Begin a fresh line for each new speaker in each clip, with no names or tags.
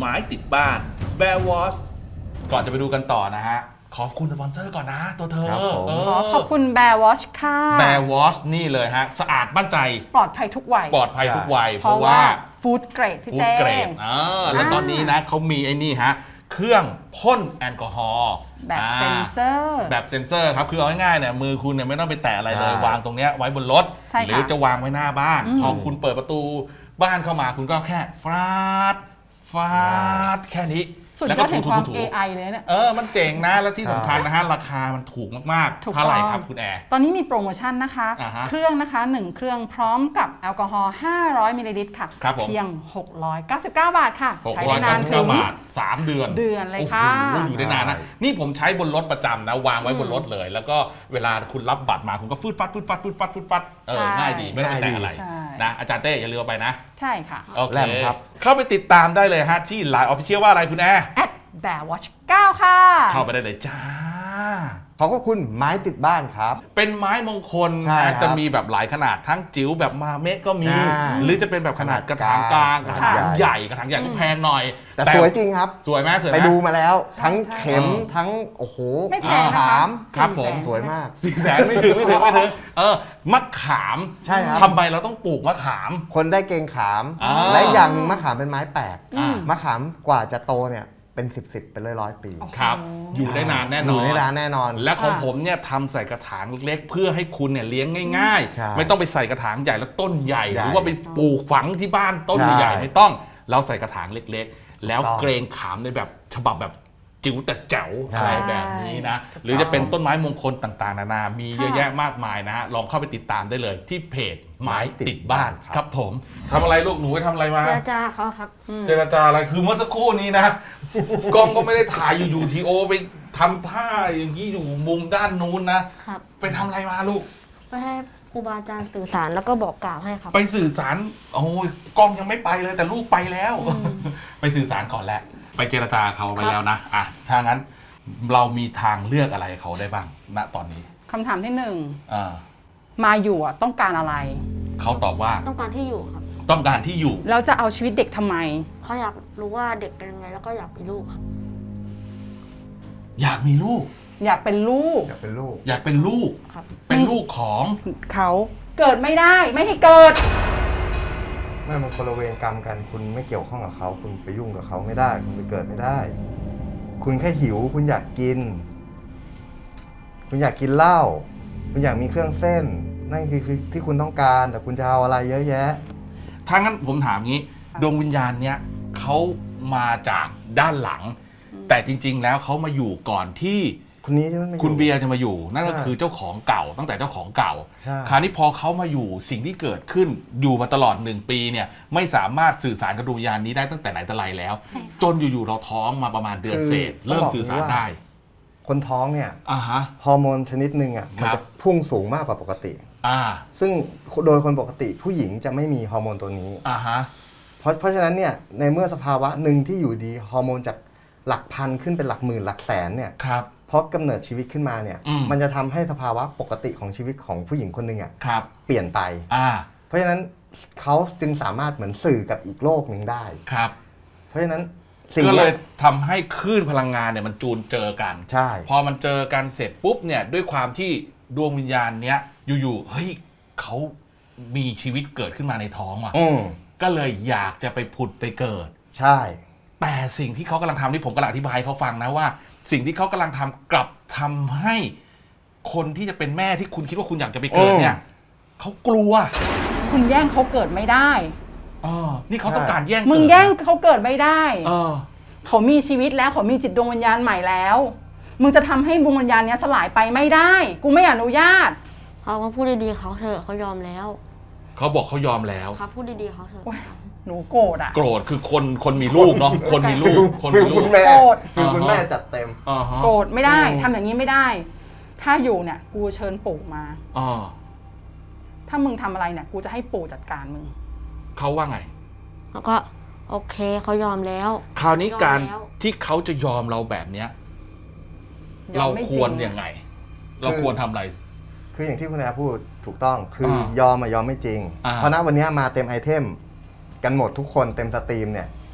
ไม้ติดบ้าน Bear Wash
ก่อนจะไปดูกันต่อนะฮะขอบคุณสปอนเซอร์ก่อนนะตัวเธอ
ขอบคุณ Bear Watch ค่ะ
Bear Wash นี่เลยฮะสะอาดมั่นใจ
ปลอดภัยทุกวัย
ปลอดภัยทุกวัย
เพราะว่าฟู้ดเกรดพี่
ฟู้
เจ
ดเกรด
ง
แล้วตอนนี้นะเขามีไอ้นี่ฮะเครื่องพ่นแอลกอฮอล์
แบบเซ็นเซอร์
แบบเซ็นเซอร์ครับคือเอาง่ายๆเนี่ยมือคุณเนี่ยไม่ต้องไปแตะอะไรเลย วางตรงเนี้ยไว้บนรถ
ใช่ค่ะ
หรือจะวางไว้หน้าบ้านพอคุณเปิดประตูบ้านเข้ามาคุณก็แค่ฟาดแค่นี้
สุด
แล้ว
ย
ก็
อดแห่งความ
ถู
AI เลยเนี่ย
มันเจ๋งนะแล้วที่สำคัญนะฮะราคามันถูกมาก
ถู
ๆ
ก
เท่าไหร่
ต้อง
ครับคุณแอร์
ตอนนี้มีโปรโมชั่นนะคะ
อ่าฮะ
เครื่องนะคะ1เครื่องพร้อมกับแอลกอฮอล์500มิลลิลิตรค่ะ
ครับผม
เพียง699 บาทค่ะ ใช้ได้นานถึง
699 บาท 3 เดือน
เดือนเลยค่ะ
โอ้โหอยู่ได้นานนะนี่ผมใช้บนรถประจำนะวางไว้บนรถเลย แล้วก็เวลาคุณรับบัตรมาคุณก็ฟืดฟัดง่ายดีไม่ต้องไปแตะอะไร
ใช่
นะอาจารย์เต้อย่าลืมเอาไปนะ
ใช่ค่ะ
โอเค
แล่มครับ
เข้าไปติดตามได้เลยฮะที่ Line Official ว่าอะไรคุณแอร์
Bear Watch 9 ค่ะ
เข้าไปได้เลยจ้า
ขอบคุณไม้ติดบ้านครับ
เป็นไม้มงคล
ใช่ครั
นะ
บ
จะมีแบบหลายขนาดทั้งจิ๋วแบบมาเมะก็มี
อ่า
หรือจะเป็นแบบขนาดกระถางกลางกระถาง
ค่ะ
ใหญ่กระถางใหญ่ก็แพงหน่อย
แต่สวยจริงครับ
สวยไหมสวยไหม
ไปดูมาแล้ว ทั้ง
ใช่
เข็ม
เออ
ทั้งโอ้โห
ไม่แพงนะคะ
ขาม
ครับผม
400,000
สวยมาก
400,000ไม่ถึงมะขาม
ใช่ครับ
ทำไมเราต้องปลูกมะขาม
คนได้เกรงขาม
อ่า
และอีกอย่างหนึ่งมะขามเป็นไม้แปลก
อืม
มะขามกว่าจะโตเนี่ยเป็น10เป็นร้อยๆปี
ครับ อยู่ได้นานแน่นอน
อยู่ได้นานแน่นอน
และของ
ค่ะ
ผมเนี่ยทำใส่กระถางเล็กๆ เพื่อให้คุณเนี่ยเลี้ยงง่าย
ใช่
ๆ ไม่ต้องไปใส่กระถางใหญ่แล้วต้นใหญ่
ใหญ่
หรือว่าไปปลูกฝังที่บ้านต้น
ใช่
ใหญ่ๆไม่ต้อง เราใส่กระถางเล็กๆ แล้ว
ถูกต้อง
เกรงขามในแบบฉบับแบบจิ๋วแต่แจ๋ว
ใช่
อะไรแบบนี้นะ
ถูกต้อง
หรือจะเป็นต้นไม้มงคลต่างๆ นานา มีเยอะ
ค่ะ
แยะมากมายนะฮะลองเข้าไปติดตามได้เลยที่เพจไม้ติดบ้าน
ครับ
ครับผมทำอะไรลูกหนูไปทำอะไรมา
เจรจาเขาครับ
เจรจาอะไรคือเมื่อสักครู่นี้นะ กล้องก็ไม่ได้ถ่ายอยู่ทีโอไปทำท่าอย่างนี้อยู่มุมด้านนู้นนะ
ครับ
ไปทำอะไรมาลูก
ไปให้ครูบาอาจารย์สื่อสารแล้วก็บอกกล่าวให้ครับ
ไปสื่อสารโอ้ยกล้องยังไม่ไปเลยแต่ลูกไปแล้ว ไปสื่อสารก่อนแหละ ไปเจรจาเขาไปแล้วนะอ่ะถ้างั้นเรามีทางเลือกอะไรเขาได้บ้างณตอนนี้
คำถามที่
อ่า
1 มาอยู่อะต้องการอะไร
เขาตอบว่า
ต้องการที่อยู่ครับ
ต้องการที่อยู่
แล้วจะเอาชีวิตเด็กทำไม
เขาอยากรู้ว่าเด็กเป็นยังไงแล้วก็อยากมีลูกครับ
อยากมีลูก
อยากเป็นลูก
อยากเป็นลูก
อยากเป็นลูก
ครับ
เป็นลูกของ
เขาเกิดไม่ได้ไม่ให้เกิด
ไม่มันคนละเวรกรรมกัน คุณไม่เกี่ยวข้องกับเขา คุณไปยุ่งกับเขาไม่ได้ คุณไปเกิดไม่ได้ คุณแค่หิว คุณอยากกิน คุณอยากกินเหล้า คุณอยากมีเครื่องเส้น นั่นคือที่คุณต้องการ แต่คุณจะเอาอะไรเยอะแยะ
ถ้างั้นผมถามงี้ ดวงวิญญาณเนี้ยเขามาจากด้านหลัง แต่จริง ๆ แล้วเขามาอยู่ก่อนที่
คนนี้ใช่ไหม
คุณเบียร์จะมาอยู่ นั่นก็
ใช่
คือเจ้าของเก่าตั้งแต่เจ้าของเก่า
ใช่
คราวนี้พอเขามาอยู่สิ่งที่เกิดขึ้นอยู่มาตลอด1 ปีเนี่ยไม่สามารถสื่อสารกับดวงวิญญาณนี้ได้ตั้งแต่ไหนแต่ไรแล้ว จนอยู่ๆเราท้องมาประมาณเดือนเศษ เริ่มสื่อสารได้
คนท้องเนี่ย
อ่าฮะ
ฮอร์โมนชนิดหนึ่งอ่ะ มัน
ครั
จะ
บ
พุ่งสูงมากกว่าปกติ
อ่า
ซึ่งโดยคนปกติผู้หญิงจะไม่มีฮอร์โมนตัวนี้
อ่าฮะ
เพราะฉะนั้นเนี่ยในเมื่อสภาวะหนึ่งที่อยู่ดีฮอร์โมนจากหลักพันขึ้นเป็นหลักหมื่นหลักแสนเนี่ย
ครับ
เพราะกำเนิดชีวิตขึ้นมาเนี่ย
มัน
จะทำให้สภาวะปกติของชีวิตของผู้หญิงคนหนึ่งอ่ะ
ครับ
เปลี่ยนไป
อ่า
เพราะฉะนั้นเขาจึงสามารถเหมือนสื่อกับอีกโลกหนึ่งได้
ครับ
เพราะฉะนั้นสิ่ง
ก็เล
เนี้
ย
ย
ทำให้คลื่นพลังงานเนี่ยมันจูนเจอกัน
ใช่
พอมันเจอกันเสร็จปุ๊บเนี่ยด้วยความที่ดวงวิญญาณเนี้ยอยู่ๆเฮ้ยเขามีชีวิตเกิดขึ้นมาในท้องว่ะ
อืม
ก็เลยอยากจะไปผุดไปเกิด
ใช่
แต่สิ่งที่เขากำลังทำที่ผมกำลังอธิบายให้เขาฟังนะว่า สิ่งที่เขากำลังทำกลับทำให้คนที่จะเป็นแม่ที่คุณคิดว่าคุณอยากจะไปเกิดเนี่ยเขากลัว
คุณแย่งเขาเกิดไม่ได้
นี่เขาต้องการแย่ง
มึง
เกิด
แย่งเขาเกิดไม่ได้
เออ
เขามีชีวิตแล้วเขามีจิตดวงวิญญาณใหม่แล้ว มึงจะทำให้ดวงวิญญาณเนี้ยสลายไปไม่ได้ กูไม่อนุญาต
เขาก็พูดดีๆเขาเถอะเขายอมแล้ว
เขาบอกเขายอมแล้ว
ครับพูดดีๆเขาเถอะ
โอ๊ย หนูโกรธอ่ะ
โกรธคือคนมีลูกเนาะคนมีลูกคน
ฟิ
มี
ล
ลู
คุ
ก
ณแม่
โกรธ
ฟิลคุณแม่จัดเต็ม
อ่าฮะ
โกรธไม่ได้
อืม
ทำอย่างนี้ไม่ได้ ถ้าอยู่เนี่ย กูเชิญปู่มา
อ่า
ถ้ามึงทำอะไรเนี่ย กูจะให้ปู่จัดการมึง
เขาว่าไง
แล้วก็โอเคเขายอมแล้ว
คราวนี้การ
ยอมแล้ว
ที่เขาจะยอมเราแบบเนี้ย
ยอ
เรา
มไม่จริง
ควรยังไง เราควรทำอะไร
คืออย่างที่คุณอาพูดถูกต้องคือ
าย
อมอะยอมไม่จริง
อ่า
เพราะณวันนี้มาเต็มไอเทมกันหมดทุกคนเต็มสตรีมเนี่ย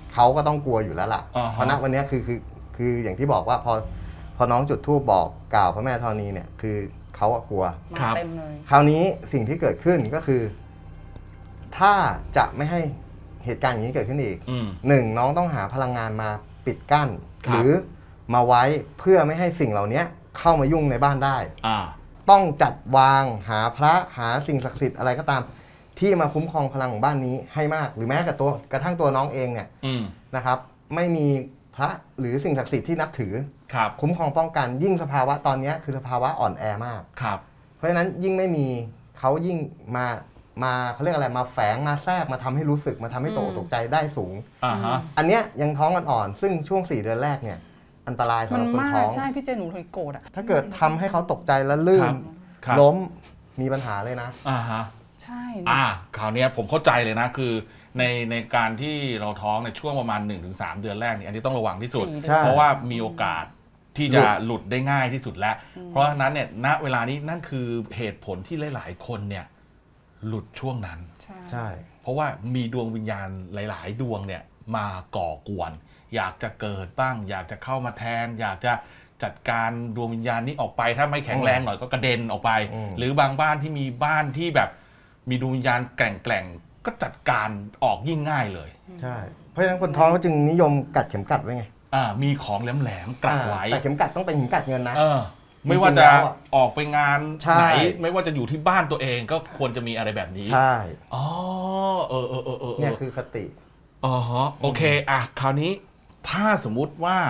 เขาก็ต้องกลัวอยู่แล้วล่ะ
อ่าฮะ
เพราะณวันเนี้ยคืออย่างที่บอกว่าพอน้องจุดธูปบอกกล่าวพระแม่ธรณีเนี่ยคือเขาอะกลัว
มาเต็มเลย
คราวนี้สิ่งที่เกิดขึ้นก็คือ ถ้าจะไม่ให้เหตุการณ์อย่างนี้เกิดขึ้นอีก หนึ่งน้องต้องหาพลังงานมาปิดกั้น
ครับ
หรือมาไว้เพื่อไม่ให้สิ่งเหล่านี้เข้ามายุ่งในบ้านได้
อ่า
ต้องจัดวางหาพระหาสิ่งศักดิ์สิทธิ์อะไรก็ตาม ที่มาคุ้มครองพลังของบ้านนี้ให้มาก หรือแม้กระทั่งตัวน้องเองเนี่ย
อืม
นะครับ ไม่มีพระหรือสิ่งศักดิ์สิทธิ์ที่นับถือ
ครับ
คุ้มครองป้องกันยิ่งสภาวะตอนนี้คือสภาวะอ่อนแอมาก
ครับ
เพราะฉะนั้นยิ่งไม่มีเขายิ่งมาเขาเรียกอะไรมาแฝงมาแทรกมาทำให้รู้สึกมาทำให้ตกอกตกใจได้สูง
อ่าฮะ
อันเนี้ยยังท้องอ่อนๆซึ่งช่วง4 เดือนแรกเนี่ยอันตรายสำ
มั
ห
น
รับคน
มาก
ท้อง
ใช่พี่เจหนูเลยโกรธอ่ะ
ถ้าเกิดทำให้เขาตกใจแล้วลื่
ครั
น
บครับ
ล้มมีปัญหาเลยนะ
อ่าฮะ
ใช่
คราวเนี้ยผมเข้าใจเลยนะคือในการที่เราท้องในช่วงประมาณ 1-3 เดือนแรกนี่อันนี้ต้องระวังที่สุด
4
ใช่
เพราะว่ามีโอกาสที่จะหลุดได้ง่ายที่สุดแล้ว เพราะฉะนั้นเนี่ยณเวลานี้นั่นคือเหตุผลที่หลายๆคนเนี่ยหลุดช่วงนั้น
ใช่
เพราะว่ามีดวงวิญญาณหลาย ๆ ดวงเนี่ยมาก่อกวน อยากจะเกิดบ้าง อยากจะเข้ามาแทน อยากจะจัดการดวงวิญญาณนี้ออกไป ถ้าไม่แข็งแรงหน่อยก็กระเด็นออกไป หรือบางบ้านที่มีบ้านที่แบบมีดวงวิญญาณแกร่งๆก็จัดการออกยิ่งง่ายเลย
ใช่เพราะฉะนั้นคนท้องก็จึงนิยมกัดเข็มกัดไว้ไง
มีของแหลมๆกัดไว้
แต่เข็มกัดต้องเป็นเข็มกัดเงินนะ
ไม่ว่าจะออกไปงาน
ใช่
ไหน ไม่ว่าจะอยู่ที่บ้านตัวเองก็ควรจะมีอะไรแบบนี้
ใช่
อ๋อ
เนี่ยคือคติ
อ๋อฮะโอเคคราวนี้ถ้าสมมุติว่า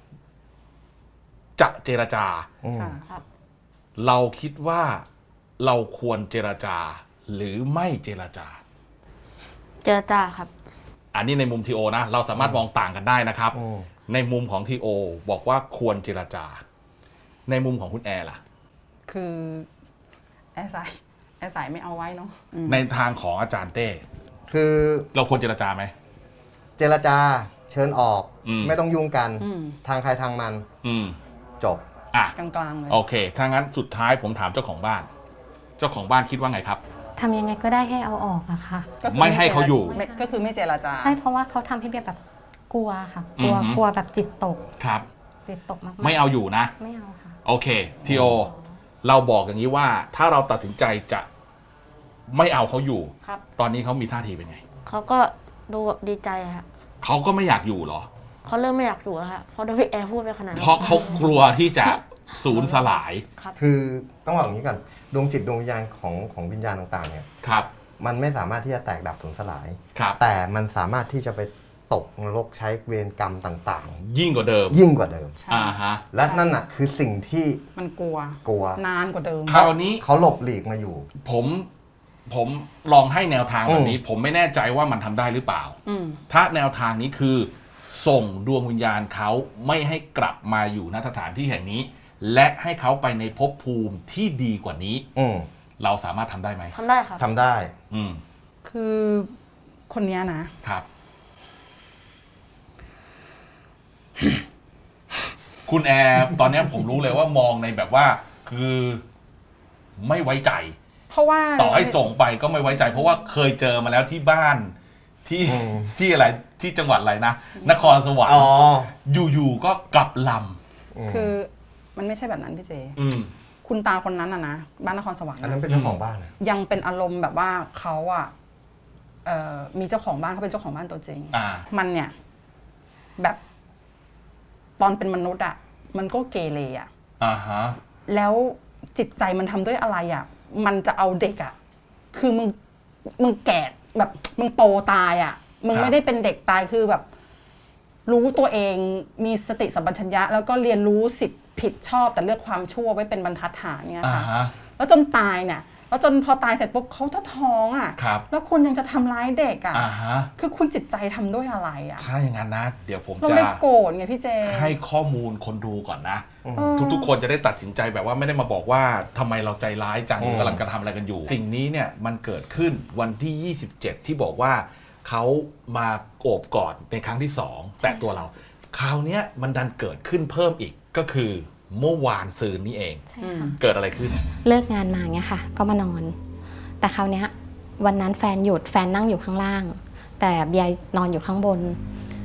จะเจรจา
ค่ะ
ครับ
เราคิดว่าเราควรเจรจา หรือไม่เจรจา
เจรจาครับ
อันนี้ในมุมทีโอนะ เราสามารถมองต่างกันได้นะครับ ในมุมของทีโอบอกว่าควรเจรจา ในมุมของคุณแอร์ล่ะ
คือแอร์สายไม่เอาไว้เนาะ
ในทางของอาจารย์เต้
คือ
เราควรเจรจาไหม
เจรจาเชิญออก
ม
ไม่ต้องยุ่งกัน
อืม
ทางใครทางมัน
อืม
จบ
กลางๆเลย
โอเค ถ้างั้นสุดท้ายผมถามเจ้าของบ้าน เจ้าของบ้านคิดว่าไงครับ
ทำยังไงก็ได้ให้เอาออกอะค่ะ
ก็คือ
ไม่ให้เขาอยู่
ก็คือไม่เจรจา
ใช่เพราะว่าเขาทำให้เบียร์แบบกลัวค่ะ กลัว
อือหือ
กลัวแบบจิตตก
ครับ
จิตตกมากๆ
ไม่เอาอยู่นะ
ไม่เอาค่ะ
โอเคทีโอเราบอกอย่างนี้ว่า ถ้าเราตัดสินใจจะไม่เอาเขาอยู่
ครับ
ตอนนี้เขามีท่าทีเป็นไง
เขาก็ดูแบบดีใจครับ
เขาก็ไม่อยากอยู่เหรอ
เขาเริ่มไม่อยากอยู่แล้วครับเพราะโดนพี่แอร์พูดไปขนาดนั้น
เพราะเขากลัวที่จะสูญสลาย
ครับ
คือต้องบอกอย่างนี้ก่อนดวงจิตดวงวิญญาณของวิญญาณต่างๆเนี่ย
ครับ
มันไม่สามารถที่จะแตกดับสูญสลาย
ครับ
แต่มันสามารถที่จะไปตกนรกใช้เวรกรรมต่าง
ยิ่งกว่าเดิม
ๆ ยิ่งกว่าเดิม
ใช่
ฮะ
และนั่นน่ะคือสิ่งที่
มันกลัว
กลัว
นานกว่าเดิม
คราวนี้
เขาหลบหลีกมาอยู่
ผมลองให้แนวทางแบบนี้ ผมไม่แน่ใจว่ามันทำได้หรือเปล่า
อืม
ถ้าแนวทางนี้คือ ส่งดวงวิญญาณเขาไม่ให้กลับมาอยู่ณสถานที่แห่งนี้ และให้เขาไปในภพภูมิที่ดีกว่านี้
อืม
เราสามารถทำได้ไหม
ทำได้ครับ
ทำได้
อืม
คือคนเนี้ยนะ
ครับ คุณแอร์ตอนเนี้ยผมรู้เลยว่ามองในแบบว่า คือไม่ไว้ใจ
เพราะว่า
ต่อให้ส่งไปก็ไม่ไว้ใจ เพราะว่าเคยเจอมาแล้วที่บ้านที่
อืม
ที่อะไรที่จังหวัดอะไรนะนครสวรร
อ๋อ
ค์อยู่ๆก็กลับล
คือมันไม่ใช่แบบนั้นพี่เจ
ำอืม
คุณตาคนนั้นนะบ้านนครสวรรค์
อันนั้น
นะ
เป็นเจ้าของบ้านนะ
ยังเป็นอารมณ์แบบว่าเขาอะมีเจ้าของบ้านเขาเป็นเจ้าของบ้านตัวจริง มันเนี่ย แบบตอนเป็นมนุษย์อะมันก็เกเรอะ
อ่าฮะ
แล้วจิตใจมันทำด้วยอะไรอะมันจะเอาเด็กอะคือมึงแก่แบบมึงโตตายอะมึง
ครับ
ไม่ได้เป็นเด็กตายคือแบบ รู้ตัวเองมีสติสัมปชัญญะ แล้วก็เรียนรู้สิทธิ์ผิดชอบแต่เลือกความชั่วไว้เป็นบรรทัดฐานเนี่ย
อ่า
ค่ะ
ฮะ
แล้วจนตายเนี่ยแล้วจนพอตายเสร็จปุ๊บเขาท้องอ่ะ
ครับ
แล้วคุณยังจะทำร้ายเด็กอ่ะ
อ่าฮะ
คือคุณจิตใจทำด้วยอะไรอ่ะ
ถ้าอย่างนั้นนะ เดี๋ยวผม
เรา
จะ
ได้โกรธไงพี่เจ
ให้ข้อมูลคนดูก่อนนะ
เออ
ทุกๆ คนจะได้ตัดสินใจแบบว่าไม่ได้มาบอกว่าทำไมเราใจร้ายจังหรือกำลังกระทำอะไรกันอยู่ สิ่งนี้เนี่ยมันเกิดขึ้นวันที่ 27 ที่บอกว่าเขามาโอบกอดในครั้งที่ 2 แตะตัวเรา คราวเนี้ยมันดันเกิดขึ้นเพิ่มอีกก็คือเมื่อวานซืนนี้เอง
ใช่ค่ะ
เกิดอะไรขึ้น
เลิกงานมาเงี้ยค่ะ ก็มานอน แต่คราวเนี้ยวันนั้นแฟนหยุดแฟนนั่งอยู่ข้างล่าง แต่เบียร์นอนอยู่ข้างบน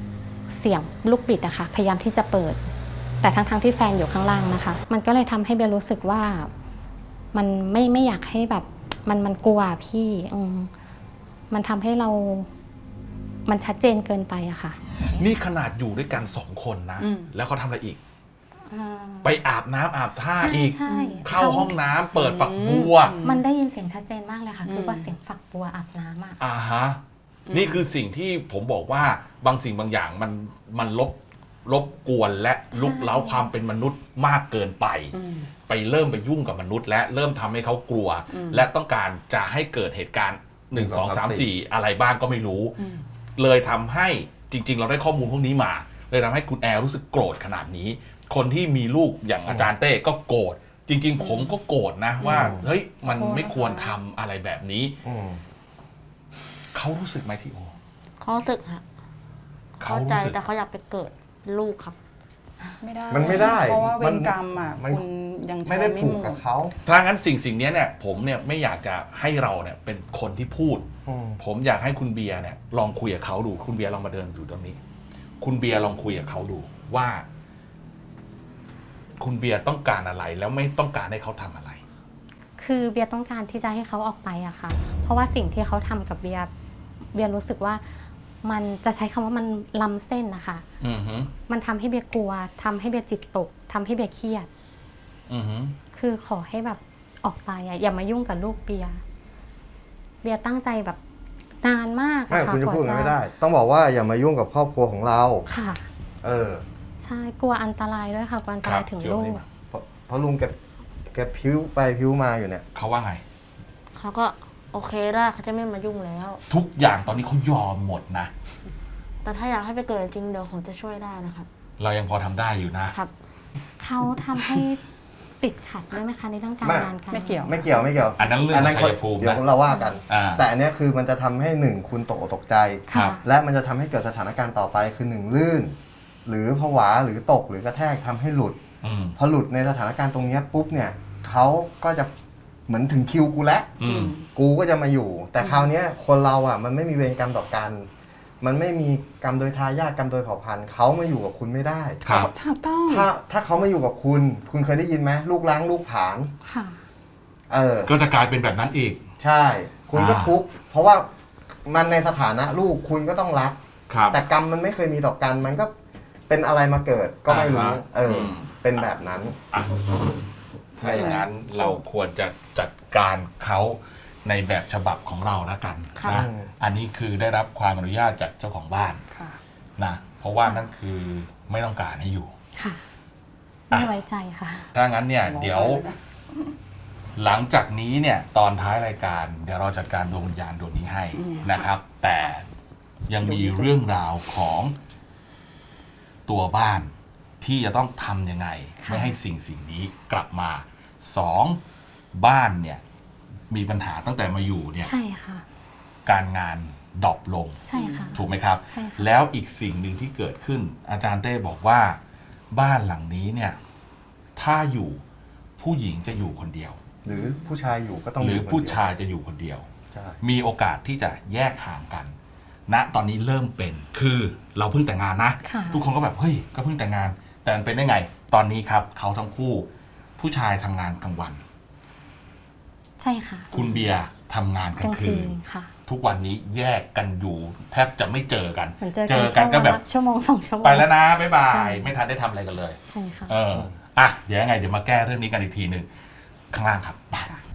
เสียงลูกบิดอะค่ะพยายามที่จะเปิด แต่ทั้งที่แฟนอยู่ข้างล่างนะคะ มันก็เลยทำให้เบียรู้สึกว่ามันไม่อยากให้แบบมันกลัวพี่มันทำให้เรามันชัดเจนเกินไปอะค่ะ
นี่ขนาดอยู่ด้วยกัน2 คนนะ แล้วเขาทำอะไรอีก ไปอาบน้ำอาบท่าอีก
ใช่
เข้าห้องน้ำเปิดฝักบัว
มันได้ยินเสียงชัดเจนมากเลยค่ะ คือว่าเสียงฝักบัวอาบน้ำอะ
ฮะนี่คือสิ่งที่ผมบอกว่าบางสิ่งบางอย่างมันรบกวนและลุกเล้าความเป็นมนุษย์มากเกินไป ไปเริ่มไปยุ่งกับมนุษย์ และเริ่มทำให้เขากลัว และต้องการจะให้เกิดเหตุการณ์1 2 3 4อะไรบ้างก็ไม่รู้ เลยทำให้จริง ๆ เราได้ข้อมูลพวกนี้มา เลยทำให้คุณแอร์รู้สึกโกรธขนาดนี้ คนที่มีลูกอย่างอาจารย์เต้ก็โกรธจริง ๆ ผมก็โกรธนะว่าเฮ้ยมันไม่ควรทำอะไรแบบนี้เขารู้สึกไหมที่โอ
เขารู้สึกค่ะเข้าใจแต่เขาอยากไปเกิดลูกครับ
ไม่ได้
มันไม่ได้
เพราะว่าเว
มัน
รกรรมอ่ะ
มัน
คุณยังใช้
ไม่ได้ผูก
หม
กับ
ด
เขา
ถ้างั้นสิ่งนี้เนี่ยผมเนี่ยไม่อยากจะให้เราเนี่ยเป็นคนที่พูด ผมอยากให้คุณเบียร์เนี่ยลองคุยกับเขาดูคุณเบียร์ลองมาเดินอยู่ตรงนี้ คุณเบียร์ลองคุยกับเขาดูว่า คุณเบียร์ต้องการอะไรแล้วไม่ต้องการให้เขาทำอะไร
คือเบียร์ต้องการที่จะให้เขาออกไปอะค่ะ เพราะว่าสิ่งที่เขาทำกับเบียร์รู้สึกว่ามันจะใช้คำว่ามันล้ำเส้นนะคะ มันทำให้เบียร์กลัวทำให้เบียร์จิตตกทำให้เบียร์เครียดคือขอให้แบบออกไปอะอย่ามายุ่งกับลูกเบียร์ตั้งใจแบบนานมาก
ไม่
อะค่ะ
คุณจะพูดอย่างนั้น
ก
ไม่
ว่า
ได้ ต้องบอกว่าอย่ามายุ่งกับครอบครัวของเรา
ค่ะ ใช่กลัวอันตรายด้วยค่ะกลัวอันตรายถึงลูก
เพราะลุงแกพิ้วไปพิ้วมาอยู่เนี่ย
เขาว่าไง
เขาก็โอเคได้เขาจะไม่มายุ่งแล้ว
ทุกอย่างตอนนี้เขายอมหมดนะ
แต่ถ้าอยากให้ไปเกิดจริงเดี๋ยวผมจะช่วยได้นะครับ
เรายังพอทำได้อยู่นะครับ
เขาทำให้ติดขัดด้วยไหมคะในเรื่องการ
ไม่
งานการ
ไม่เกี่ยว
ไม่เกี่ยว
อันนั้นเรื่องของชัยภูมิ
เดี๋ยว
นะ
เราว่ากัน
แต่
แต่อันเนี้ยคือมันจะทำให้หนึ่งคุณตกอกตกใจ
ค่ะ
และมันจะทำให้เกิดสถานการณ์ต่อไปคือหนึ่งลื่น หรือผวาหรือตกหรือกระแทกทำให้หลุด พอหลุดในสถานการณ์ตรงเนี้ยปุ๊บเนี่ยเขาก็จะเหมือนถึงคิวกูแล้วกูก็จะมาอยู่ แต่คราวเนี้ยคนเราอ่ะมันไม่มีเวรกรรมต่อกัน มันไม่มีกรรมโดยทายาทกรรมโดยเผ่าพันธุ์เขามาอยู่กับคุณไม่ได้
ครับ
ถูกต้อง
ถ้าเขามาอยู่กับคุณ คุณเคยได้ยินไหมลูกล้างลูกผลาญ
ค่ะ
ก็จะกลายเป็นแบบนั้นอีก
ใช่ คุณก็ทุกข์เพราะว่ามันในสถานะลูกคุณก็ต้องรัก
ครับ
แต่กรรมมันไม่เคยมีต่อกัน มันก็เป็นอะไรมาเกิดก็ไม่รู้เป็นแบบนั้น
ถ้าอย่างนั้นเราควรจะจัดการเขาในแบบฉบับของเราแล้วกัน
ค่ะ
นะอันนี้คือได้รับความอนุญาตจากเจ้าของบ้าน
ค่ะ
นะเพราะว่านั่นคือไม่ต้องการให้อยู่
ค่ะไม่ไว้ใจค่ะ
ถ้างั้นเนี่ยเดี๋ยวหลังจากนี้เนี่ยตอนท้ายรายการเดี๋ยวเราจัดการดวงวิญญาณดวงนี้ให้นะครับ แต่ยังมีเรื่องราวของตัวบ้านที่จะต้องทำยังไง
ค่ะ
ไม่ให้สิ่งนี้กลับมา2บ้านเนี่ยมีปัญหาตั้งแต่มาอยู่เนี่ย
ใช่ค่ะ
การงานดรอปลง
ใช่ค่ะ
ถูกไหมครับ
ใช่ค่ะ
แล้วอีกสิ่งหนึ่งที่เกิดขึ้น อาจารย์เต้บอกว่าบ้านหลังนี้เนี่ยถ้าอยู่ผู้หญิงจะอยู่คนเดียว
หรือผู้ชายอยู่ก็ต้อง
หรือ
อยู่คนเดียว
ผู้ชายจะอยู่คนเดียว
ใช่
มีโอกาสที่จะแยกห่างกันณตอนนี้เริ่มเป็นคือเราเพิ่งแต่งงานนะ
ค่ะ
ทุกคนก็แบบเฮ้ยก็เพิ่งแต่งงาน แต่มันเป็นได้ไง ตอนนี้ครับเขาทั้งคู่ผู้ชายทำงานกลางวัน
ใช่ค่ะ
คุณเบียร์ทำงานก
ก
ลา
ลาง ง
คื
คื
น
นค่ะ
ทุกวันนี้แยกกันอยู่แทบจะไม่เจอกัน
เหมือนเจอ
เจอกั
กัน น
ก็แบบ
ชั่วโมง2 ชั่วโมง
ไปแล้วนะบ๊ายบา
ใช่
ยไม่ทันได้ทำอะไรกันเลย
ใช่ค่ะ
อ่ะเดี๋ยวยังไงเดี๋ยวมาแก้เรื่องนี้กันอีกทีหนึ่งข้างล่างครับไป